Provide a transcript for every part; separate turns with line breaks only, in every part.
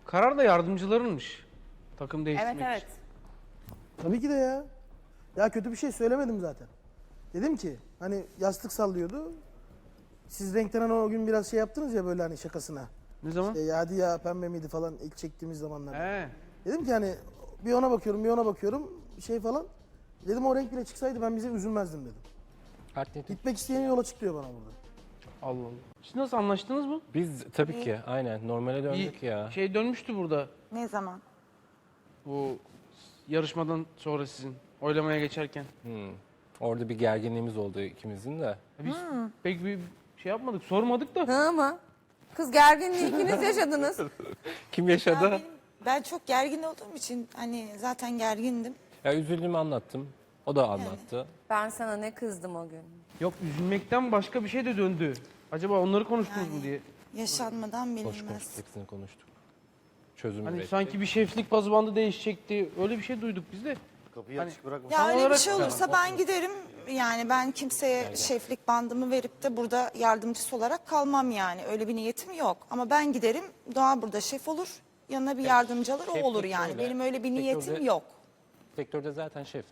Karar da yardımcılarınmış. Takım değiştirmek
Evet.
için.
Tabii ki de ya. Ya kötü bir şey söylemedim zaten. Dedim ki hani yastık sallıyordu. Siz renkten hani o gün biraz şey yaptınız ya böyle hani şakasına.
Ne zaman?
Ya hadi ya pembe miydi falan ilk çektiğimiz zamanlarda.
He.
Dedim ki hani bir ona bakıyorum bir ona bakıyorum şey falan. Dedim o renk bile çıksaydı ben bize üzülmezdim dedim.
Alternatif.
Gitmek isteyen yola çıkıyor bana burada.
Allah Allah. Siz nasıl anlaştınız mı?
Biz tabii ki aynen normale döndük
Bir
ya.
şey dönmüştü burada.
Ne zaman?
Bu yarışmadan sonra sizin oylamaya geçerken.
Orada bir gerginliğimiz oldu ikimizin de.
Biz pek bir şey yapmadık, sormadık da.
Hı mı? Kız gerginliği ikiniz yaşadınız.
Kim yaşadı?
Ben çok gergin olduğum için hani zaten gergindim.
Ya üzüldüğümü anlattım. O da anlattı.
Ben sana ne kızdım o gün.
Yok, üzülmekten başka bir şey de döndü. Acaba onları konuştunuz mu diye.
Yaşanmadan
Hoş
bilinmez.
konuştuk, hepsini konuştuk. Çözüm
Hani
ürettik.
sanki bir şeflik bazı bandı değişecekti. Öyle bir şey duyduk biz de.
Kapıyı açık bırakma.
Ya
Tam
öyle bir
olarak-
şey olursa ben giderim. Yani ben kimseye şeflik bandımı verip de burada yardımcısı olarak kalmam yani. Öyle bir niyetim yok. Ama ben giderim, Doğa burada şef olur. Yanına bir yardımcı alır, o
şeflik
olur yani.
şöyle,
Benim öyle bir niyetim
sektörde-
yok.
Sektörde zaten şefim.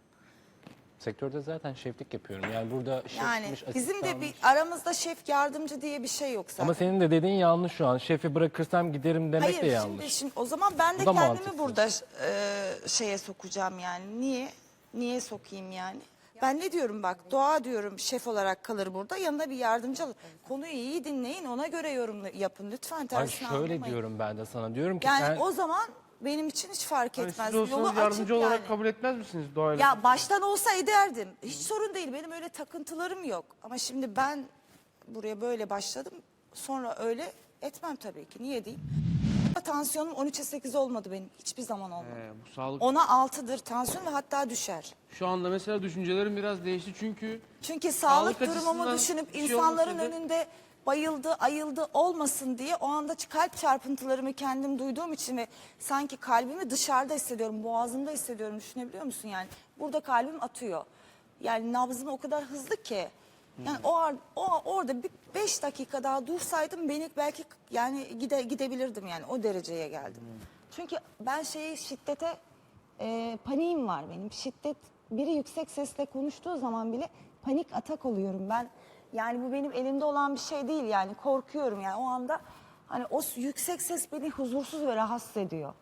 Sektörde zaten şeflik yapıyorum. Yani burada şefmiş,
Yani bizim de
asistanmış.
bir aramızda şef yardımcı diye bir şey yok zaten.
Ama senin de dediğin yanlış şu an. Şefi bırakırsam giderim demek de
Hayır
yanlış.
şimdi o zaman ben de
Bu da
kendimi
mantıksız.
burada şeye sokacağım yani. Niye? Niye sokayım yani? Ben ne diyorum bak, Doğa diyorum şef olarak kalır burada, yanına bir yardımcı alır. Konuyu iyi dinleyin, ona göre yorum yapın lütfen,
Ay
tersine
şöyle
anlamayın.
diyorum ben de sana. Diyorum ki
Yani
sen
o zaman benim için hiç fark
Hani
etmez.
siz olsanız
Yolu açık
yardımcı olarak
yani.
kabul etmez misiniz doğayla?
Ya baştan olsa ederdim. Hiç sorun değil. Benim öyle takıntılarım yok. Ama şimdi ben buraya böyle başladım. Sonra öyle etmem tabii ki. Niye diyeyim? Tansiyonum 13'e 8 olmadı benim. Hiçbir zaman olmadı.
Bu sağlık.
10'a 6'dır tansiyon ve hatta düşer.
Şu anda mesela düşüncelerim biraz değişti çünkü
Çünkü sağlık
Sağlık
durumumu
açısından
düşünüp
bir şey
insanların
olmasaydı-
önünde bayıldı, ayıldı olmasın diye o anda kalp çarpıntılarımı kendim duyduğum için ve sanki kalbimi dışarıda hissediyorum, boğazımda hissediyorum. Düşünebiliyor musun yani? Burada kalbim atıyor. Yani nabzım o kadar hızlı ki. Yani orada bir 5 dakika daha dursaydım beni belki yani gidebilirdim yani o dereceye geldim. Çünkü ben şiddete paniğim var benim. Şiddet, biri yüksek sesle konuştuğu zaman bile panik atak oluyorum ben. Yani bu benim elimde olan bir şey değil yani, korkuyorum yani o anda. Hani o yüksek ses beni huzursuz ve rahatsız ediyor.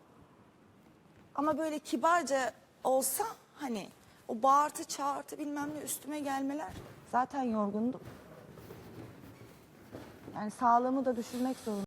Ama böyle kibarca olsa hani o bağırtı çağırtı bilmem ne üstüme gelmeler, zaten yorgundum. Yani sağlığımı da düşünmek zorundayım.